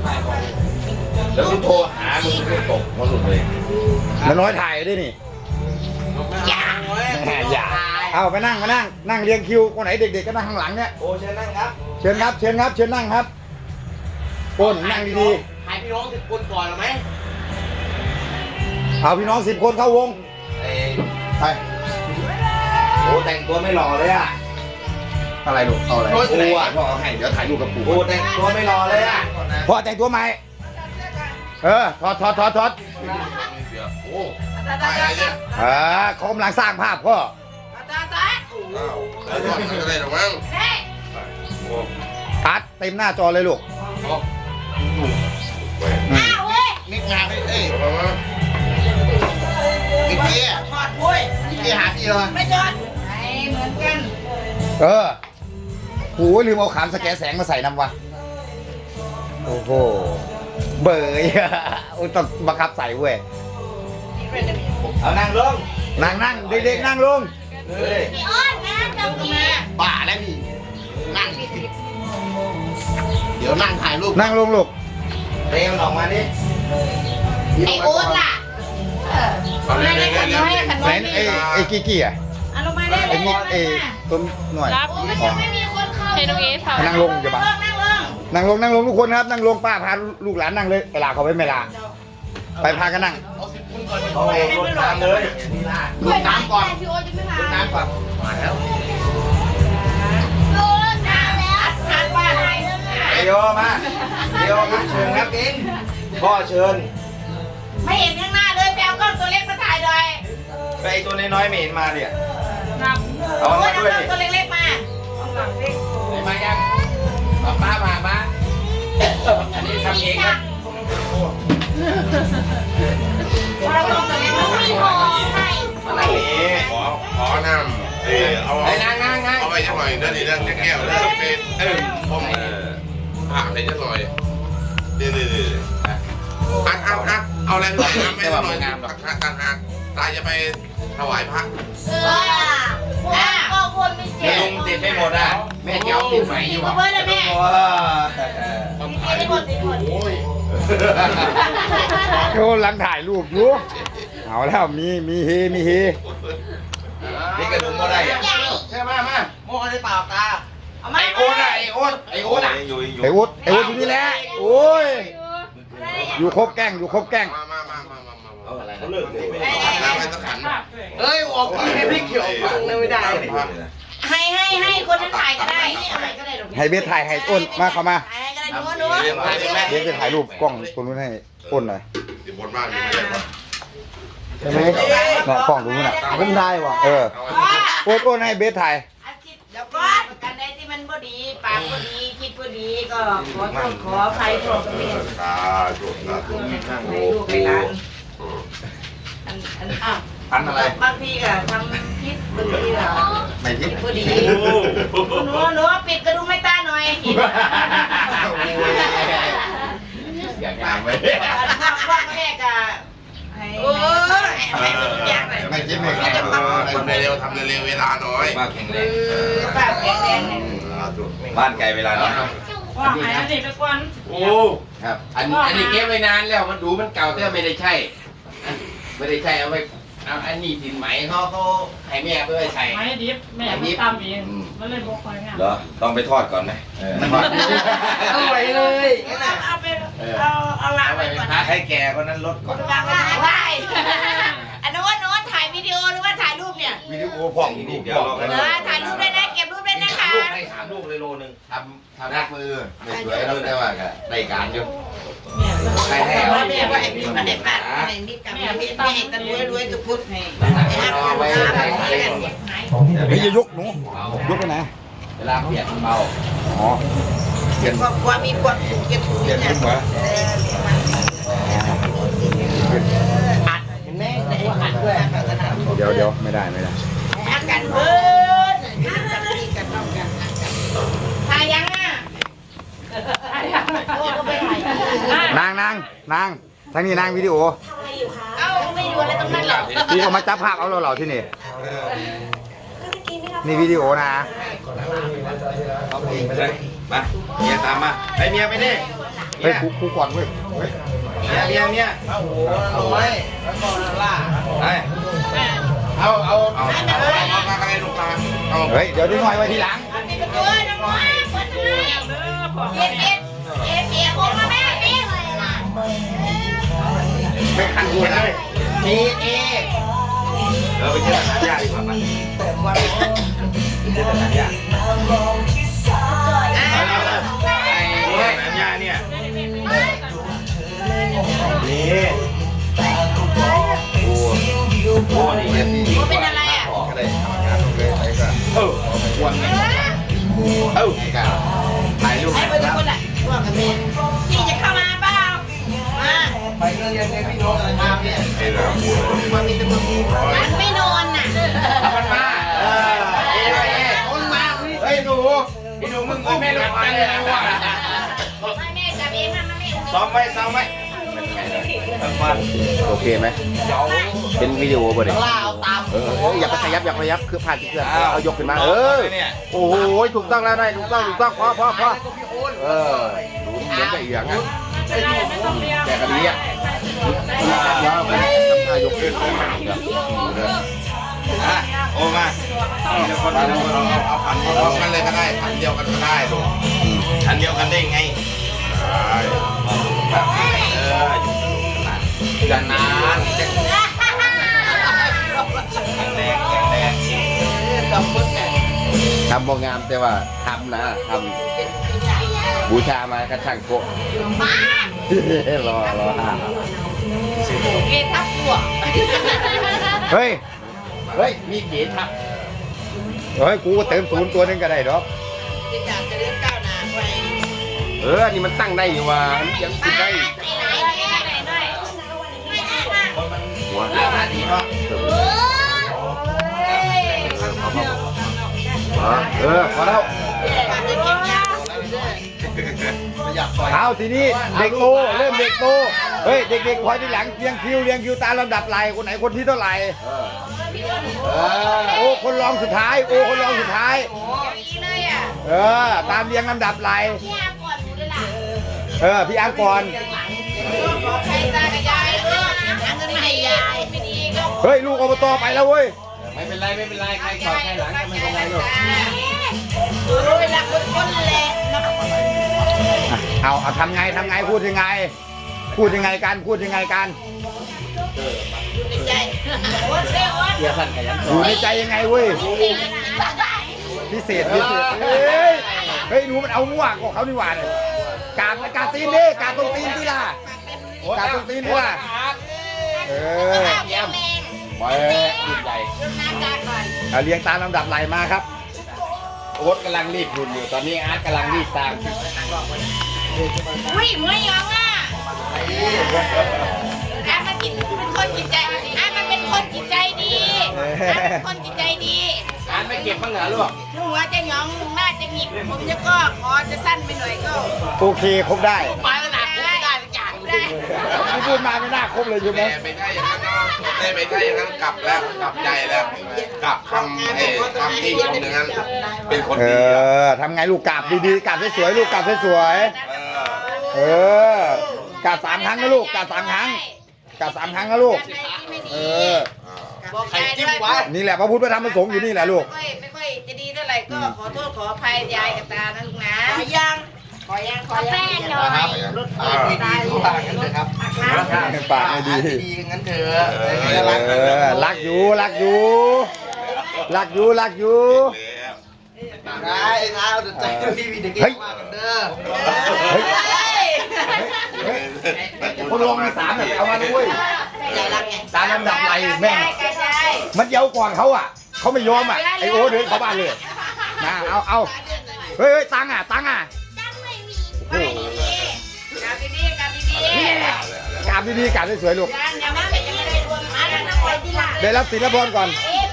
แล้วกูโทรหามึงก็ตกมาหลุดเลยมันน้อยถ่ายด้วยนี่อย่าเอาไปนั่งเรียงคิวคนไหนเด็กๆก็นั่งข้างหลังเนี่ยโอ้เชิญนั่งครับเชิญนั่งครับคนนั่งดีๆให้พี่น้อง10 คนก่อนหรือไหมเอาพี่น้อง10 คนเข้าวงไปโอ้แต่งตัวไม่หล่อเลยอะอะไรลูกเอาอะไรกูอ่ะพ่อเอาให้เดี๋ยวถ่ายรูปกับกูโอ้แต่งตัวไม่หล่อเลยอะพ่อแต่งตัวใหม่ถอดโอ้เขากำลังสร้างภาพพ่ออะไรหรอมั้งตัดเต็มหน้าจอเลยลูกนิกงานเอ้ยนิกเกี้ยทอดพุ้ยนิกเกี้ยหาพี่เลยไม่จอดเหมือนกันโหลืมเอาขามสแกแสงมาใส่น้ำวะโอ้โหเบยอุ้ยต้องบังคับใส่เว้ยเอานั่งลงนั่งเด็กๆนั่งลงพี่อ้อนนะตรงนี้ป่าแล้วนี่นั่งเดี๋ยวนั่งถ่ายรูปนั่งลงลูกเร็วออกมาดิไอโอ๊ตล่ะไม่ได้ขน้อยไอ้กี้อ่ะลงมาได้เลยต้นหน่อยมันยังไม่มีคนเข้าให้น้องเอสค่ะนั่งลงอย่าบังนั่งลงทุกคนครับนั่งลงป้าพาลูกหลานนั่งเลยเวลาเขาไม่ลาไปพากันนั่งเอารถน้ำเลยรถน้ำก่อนพี่โอ๊ตจะไม่พารถน้ำก่อนมาแล้วรถน้ำแล้วทานว่าอะไรเดี๋ยวมาเชิญครับเองพ่อเชิญไม่เห็นข้างหน้าเลยแปลกล้องตัวเล็กมาถ่ายหน่อยไปตัวน้อยๆไม่เห็นมาเนี่ยเอามาด้วยตัวเล็กๆมามายังป้ามาอันนี้ทำเองนะเราต้องตัวเล็กมามีหอให้อะไรนี่ขอนำเอาไปจะหน่อยเดี๋ยวจะแก้วแล้วเป็นผมผ่าเลยจะหน่อยเดี๋ยวเอาอะไรหน่อยน้ำไม่หน่อยงามหรอกต่างหากตายจะไปถวายพระก็วนไม่เจ็บลุงติดไม่หมดอ่ะแม่เจ้าติดไหมอยู่เบอร์เลยแม่ติดหมดโยนหลังถ่ายรูปอยู่เอาแล้วมีเฮนี่กระดุมก็ได้อะใช่มาโม่ได้เปล่าตาไอโอ๊ตอยู่นี่แหละโอ้ยอยู่ครบแกล้งมาเขาเลิกเลยน้ำให้สักขันเอ้ยออกให้พี่เขียวฟังไม่ได้ให้คนนั้นถ่ายก็ได้ให้เบสถ่ายให้อ้นมาเข้ามาหนูเบสจะถ่ายรูปกล้องตรงนู้นให้อ้นหน่อยติดบนบ้านมีอะไรบ้างใช่ไหมเนี่ยกล้องตรงนู้นน่ะผมได้ว่ะอ้นให้เบสถ่ายเดี๋ยวก่อนกันได้ที่มันพอดีปากพอดีคิดพอดีก็ขอใครขอเมียลูกไปร้านอันอะไรบางทีก็ทำคิดพอดีเหรอไม่คิดพอดีหนูปิดกระดุมไม่ตาหน่อยอยากงามไว้ว่างแรกอะไม่คิดไม่คิดทำเร็วเวลาน้อยบ้านแข็งแรงบ้านไกลเวลาน้อยว่าหายอันนี้ไปก่อนโอ้ครับอันนี้เก็บไว้นานแล้วมันดูมันเก่าแต่ไม่ได้ใช่เอาไปเอาอันนี้สินไหมเขาให้แม่ไปไว้ใส่ไม้ดิบแม่ไม่ตามเองมันเลยบอกคอยงานเหรอต้องไปทอดก่อนไหมอร่อยเลยเอาไปเอาล้างไปก่อนให้แกคนนั้นลดก่อนล้างไว้อันนู้นถ่ายวิดีโอหรือว่าถ่ายรูปเนี่ยวิดีโอผ่องลูกเดียวถ่ายรูปได้นะเก็บรูปได้นะคะลูกให้3 ลูกเลยโลนึงทำหน้ามือไม่สวยเราได้ว่ากันรายการอยู่ใครให้เอาแม่ว่าไอ้พี่มาได้ปัดไอ้นี่กับแม่ให้กันรวยจะพูดให้พี่จะยกหนูยกไปไหนเวลาเปลี่ยนเบาอ๋อเปลี่ยนความมีความสุขเก็บถุงเนี่ยเห็นไหมได้อัดด้วยเดี๋ยวไม่ได้อัดกันเพิ่นกับพี่กับน้องกันถ่ายยังอ่ะนางทั้งนี้นางวิดีโอเอ้าไม่ดูอะไรตรงนั้นหรอพี่เอามาจับภาพเอาเราที่นี่นี่วิดีโอนะเอาเพลงไปเลยมาเมียตามมาไปเมียไปดิเเฮ้ยกูก่อนเว้ยเฮ้ยเนี่ยโอ้โหน้อยแล้วก็ล่าเอาอะไรลูกมาเอาเฮ้ยเดี๋ยวนิดหน่อยไว้ทีหลังนี่ก็ตัวน้องน้อยคนทำไมเย็นผมมาแม่พี่เลยล่ะไม่ขันกูนะมีเอไปเชื่อสัญญาดีกว่ามั้ยเชื่อสัญญาสัญญาเนี่ยนี่โอ้นี่เนี่ยมันเป็นอะไรอ่ะก็ได้ทำงานเลยไปก็วันนี้ถ่ายรูปไอ้คนทุกคนอ่ะว่ากันเป็นพี่จะเข้ามาเปล่ามาไปเรียนพี่น้องอะไรมาเนี่ยมันไม่นอนน่ะมันมาคนมาเฮ้ยหนูพี่หนูมึงไม่รู้กันเลยนะว่าไม่แม่กับเอ็มมันไม่ซ้อมไหมโอเคไหมเป็นวิดีโอบ่เนี่ยล่าเอาตามอย่าไปขยับคือผ่านที่เพื่อนเอายกขึ้นมาโอ้โหถูกต้องแล้วนายถูกต้องพอรู้เหมือนกับอีกอย่างอ่ะไม่ต้องเรียกแต่คดีอ่ะว่าไปทำท่ายกขึ้นโอ้มาเดี๋ยวคนเอาพันพร้อมกันเลยก็ได้พันเดียวกันก็ได้ลูกพันเดียวกันได้ไงกันนานแดงทำบ่งามแต่ว่าทำนะทำบูชามากระช่างโกะรอเกทับตัวเฮ้ยมีเกียรติครับกูก็เติมศูนย์ตัวนึงก็ได้ดอกจะจากจะเลื่อนก้าวหน้าไปนี่มันตั้งได้อยู่ว่ายังคิดได้หัวดีเนาะพอแล้วเอาทีนี้เด็กโตเริ่มเด็กโตเฮ้ยเด็กๆคอยที่หลังเรียงคิวตามลำดับไหลคนไหนคนที่เท่าไหร่โอ้คนรองสุดท้ายตามเรียงลำดับไหลพี่อังก่อนเฮ้ยลูกอบตไปแล้วเว้ยไม่เป็นไรใครก่อนใครหลังก็ไม่เป็นไรลูกเวลาคนแหละเอาทำไงพูดยังไงกันใจวัดเร็ววัดเกียร์สั่นกันยังอยู่ในใจยังไงเว้ยพิเศษเฮ้ยหนูมันเอามั่วของเขานี่หว่าเนี่ยกาดตีนดิกาดตรงตีนที่ล่ะกาดตรงตีนที่ล่ะเยี่ยมแมงไปยิ่งใหญ่ดูหน้ากากก่อนเรียงตามลำดับไหลมาครับโอ๊ตกำลังรีบหุ่นอยู่ตอนนี้อาร์ตกำลังรีบตามอุ้ยไม่ยอมอ่ะอามันกินเป็นคนจิตใจอามันเป็นคนจิตใจดีคนจิตใจดีอาร์ตไม่เก็บบ้างเหรอลูกหัวจะหยองหน้าจะหงิกผมจะก็ขอจะสั้นไปหน่อยก็โอเคครบได้ไปแล้วนะได้จ่ายได้ที่พูดมาไม่น่าครบเลยใช่ไหมแต่ไม่ใช่อย่างนั้นเนาะแต่ไม่ใช่อย่างนั้นกลับแล้วกลับใจแล้วกลับคำที่คนอย่างนั้นเป็นคนดีทำไงลูกกราบดีๆกราบสวยๆลูกกราบสวยๆกราบ3 ครั้งนะลูกกราบ3 ครั้งนะลูกบอกใครจิ้มวะนี่แหละพระพุทธพระธรรมพระสงฆ์อยู่นี่แหละลูกไม่ค่อยจะดีเท่าไหร่ก็ขอโทษขออภัยยายกับตานะลูกนะขอแป้งหน่อยรถไม่ดีทุกทางกันเลยครับปากไม่ดีดีงั้นเถอะรักอยู่ได้เดี๋ยวใจพี่มีเด็กมากันเด้อคนลงมี3แบบเอามาด้วยตามลำดับไหลแม่งมันเย้าก่อนเขาอ่ะเขาไม่ยอมอ่ะไอโอเดินเข้าบ้านเลยนะเอาเฮ้ยตังค์อ่ะกราบดีกราบสวยๆลูกได้รับศิลปะก่อน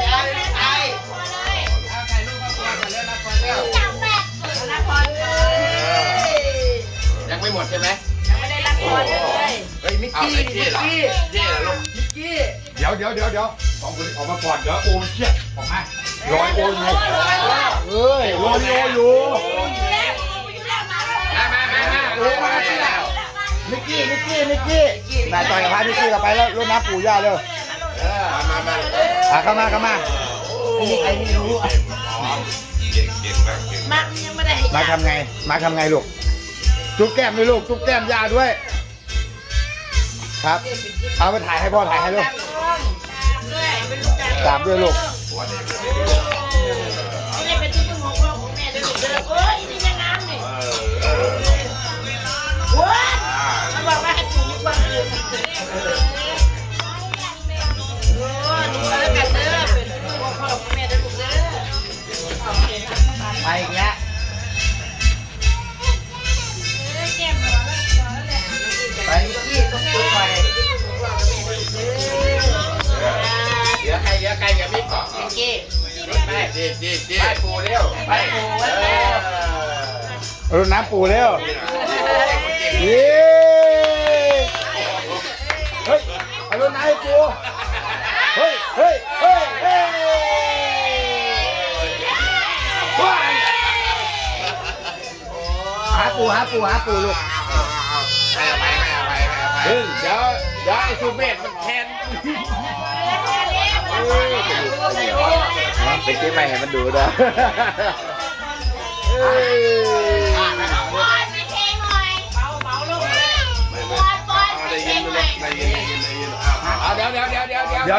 ยังไม่หมดใช่ไหมเฮ้ยมิกกี้เหรอลูกเดี๋ยวสองคนออกมาก่อนเดี๋ยวโอเชี่ยออกมาลอยโออยู่ลอยโออยู่มาโอ้มาแล้วนิกกี้นายต่อยกับพานิกกี้กับไปแล้วรดน้ำปู่ย่าเร็ว เข้ามาไอ้นี่รู้เก่งมากเก่งมักยังไม่ได้มาทำไงลูกจุ๊บแก้มด้วยลูกจุ๊บแก้มย่าด้วย ครับ เอาไปถ่ายให้พ่อถ่ายให้ลูกตามด้วยลูกไม่ได้เป็นที่พึ่งของพ่อของแม่ด้วยลูกเด้อโอ้ยนี่แม่น้ำนี่ว้าเขาบอกว่าให้ปลูกมีความสุขโอ้ดูแล้วกันเด้อเป็นที่พึ่งของพ่อของแม่ด้วยลูกเด้อไปอีกแล้ว ไปนิกกี้ต้องจุ๊บไปเดี๋ยวใครเดี๋ยวมีเกาะนิกกี้ไปไปปูเร็วไปปูรดน้ำปู่เร็วเย้เฮ้ยเอารดน้ำให้ปู่เฮ้ยว้ายหาปู่ลูกให้อภัยเดี๋ยวไอ้สุเมธมันแทนไปเก็บไปให้มันดูนะได้ยินเอาเดี๋ยวยังแม่เดี๋ยวมา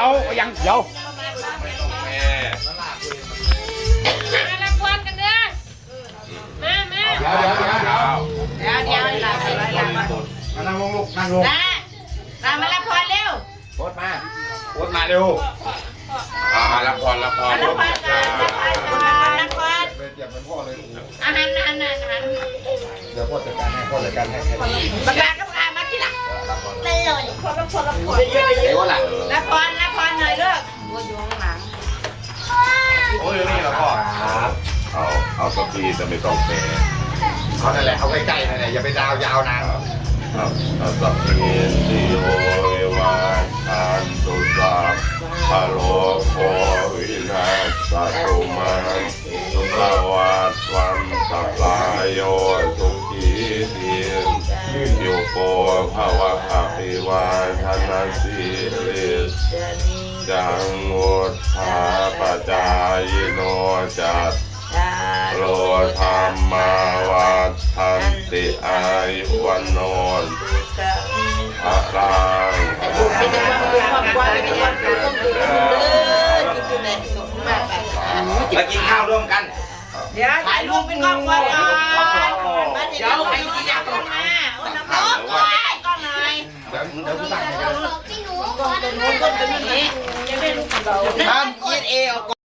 ละครกันเด้อมาเดี๋ยวนั่งลงลูกนั่งลงมารับพรเร็วโคตรมาโคตรมาเร็วรับพรรับพรรับพรเดี๋ยวมันพ่อเลยอาหารเดี๋ยวพ่อจัดการให้ประกาศกับข้ามาที่หลังเป็นเลยรับพรเดี๋ยวล่ะรับพรหน่อยลูกบัวอยู่ข้างหลังโอ้ยนี่เหรอพ่อครับเอาสักทีแต่ไม่ต้องแพ้เขานั่นแหละเอาใกล้ๆนั่นแหละอย่าไปดาวยาวนานเอาสักทีสิโอเอวาอันตุสาพะโลโควินาศตุมันสุภวัตวันตะลายโยสุขีทีโยโกภวะอภิวาทนาสิริจังวุฒาปจายโนจัตโลธรรมาวัฏันติอายุวันโนพระรังมากินข้าวร่วมกันเดี๋ยวถ่ายรูปเป็นกล้องก่อนเดี๋ยวใครที่อยากกล้องมาเอาน้ำร้อนก่อนกล้องหน่อยเดี๋ยวกูตั้งให้กันกล้องตัวนู้นกล้องตัวนี้ยังไม่รู้ของเราทำเอออก